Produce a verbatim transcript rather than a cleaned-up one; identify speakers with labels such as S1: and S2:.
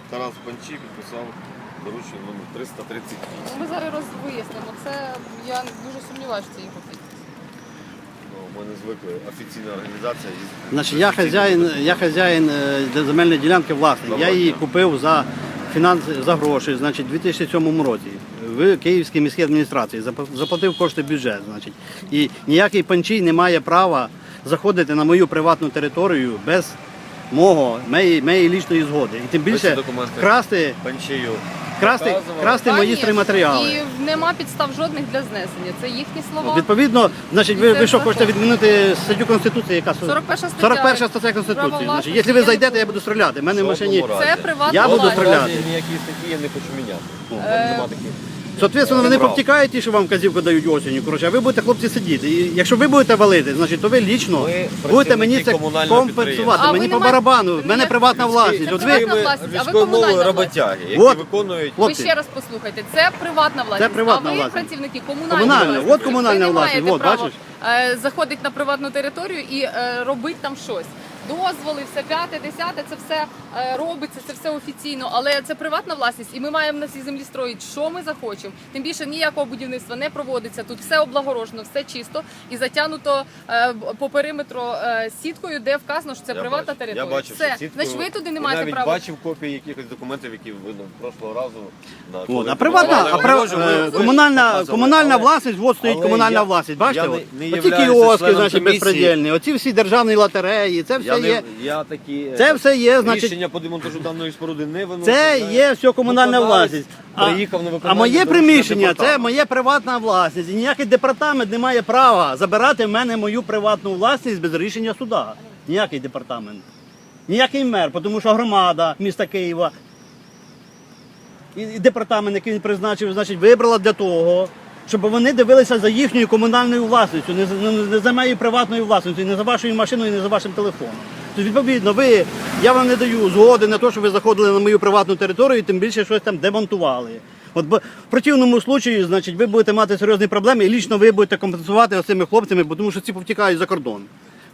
S1: Тарас Панчі підписав доручення номер триста тридцять вісім.
S2: Ми зараз розвияснимо. Це я дуже сумніваюся, що це його підпис.
S1: Ну, ми не звикли. Офіційна організація.
S3: Значить, я хазяїн, я хазяїн е, земельної ділянки власник. Я її купив за фінанс, за гроші, значить, у дві тисячі сьомому році в Київській міській адміністрації. Заплатив кошти в бюджет, значить. І ніякий панчій не має права заходити на мою приватну територію без мого, моєї, моєї лічної згоди. І тим більше красти,
S1: Панчію.
S3: красти, красти мої стройматеріали.
S2: І нема підстав жодних для знесення. Це їхні слова.
S3: Відповідно, значить, ви, ви що хочете відмінити статтю Конституції, яка
S2: сорок перша стаття.
S3: сорок перша стаття Конституції. Значить, якщо ви зайдете, я буду стріляти. У мене в машині.
S2: Це приватна
S3: Я буду
S2: власність.
S3: стріляти.
S1: Ніякі статті я не хочу міняти. Ну,
S2: Е,
S1: нема таких.
S3: Соответственно, вони повтікають ті, що вам казівку дають осінню. Коротше, а ви будете, хлопці, сидіти. І якщо ви будете валити, значить, то ви лічно
S1: Ми
S3: будете мені це
S1: працівники комунального
S3: компенсувати.
S2: А ви
S3: Мені
S2: не
S3: по
S2: маєте-
S3: барабану, в мене
S2: Ні.
S3: приватна власність.
S2: Це
S3: От
S2: приватна
S3: ви,
S2: власність, а ви
S1: Військовою мовою
S2: комунальна
S1: роботяги, які
S3: От.
S1: виконують.
S2: Ви
S3: Хлопці.
S2: ще раз послухайте, це приватна власність,
S3: приватна
S2: а ви
S3: власність.
S2: працівники комунальної
S3: Комунальна,
S2: власності.
S3: от комунальна
S2: Ви не
S3: власність,
S2: маєте
S3: от,
S2: права,
S3: бачиш?
S2: е, заходити на приватну територію і е, робити там щось. Дозволи, все п'яте, десяте, це все е, робиться, це все офіційно, але це приватна власність, і ми маємо на цій землі строїти, що ми захочемо. Тим більше ніякого будівництва не проводиться. Тут все облагорожено, все чисто і затягнуто е, по периметру е, сіткою, де вказано, що це
S1: Я
S2: приватна
S1: бачив.
S2: територія.
S1: Я бачив,
S2: все.
S1: що сіткою-
S2: Значить, ви туди не
S1: і
S2: маєте
S1: навіть
S2: права.
S1: бачив копії якихось документів, які видно прошлого разу. На
S3: От,
S1: коли
S3: а приватна,
S1: купували
S3: а прив-
S1: огорожу, ми-
S3: е,
S1: ви
S3: комунальна,
S1: показували.
S3: комунальна
S1: Але-
S3: власність, от стоїть
S1: але
S3: комунальна
S1: я-
S3: власність, бачите?
S1: я не-
S3: от?
S1: не
S3: Оці
S1: являюся
S3: кіоски,
S1: членом
S3: значить,
S1: комісії.
S3: безпредельні, оці всі державні лотереї, це все
S1: Я, не,
S3: є.
S1: я такі
S3: Це все є, значить,
S1: рішення по демонтажу даної споруди не виношу.
S3: це
S1: знаю.
S3: є все комунальна
S1: Виконавець
S3: власність. А,
S1: приїхав на
S3: а
S1: виконання
S3: моє
S1: доручення
S3: приміщення це
S1: департаменту.
S3: моя приватна власність. І ніякий департамент не має права забирати в мене мою приватну власність без рішення суда. Ніякий департамент. Ніякий мер, тому що громада міста Києва і і департамент, який він призначив, значить, вибрала для того, щоб вони дивилися за їхньою комунальною власністю, не за, не за моєю приватною власністю, і не за вашою машиною, і не за вашим телефоном. Тобто, відповідно, ви, я вам не даю згоди на те, що ви заходили на мою приватну територію і тим більше щось там демонтували. От бо в противному случаї, значить, ви будете мати серйозні проблеми і лічно ви будете компенсувати оцими хлопцями, бо тому що ці повтікають за кордон.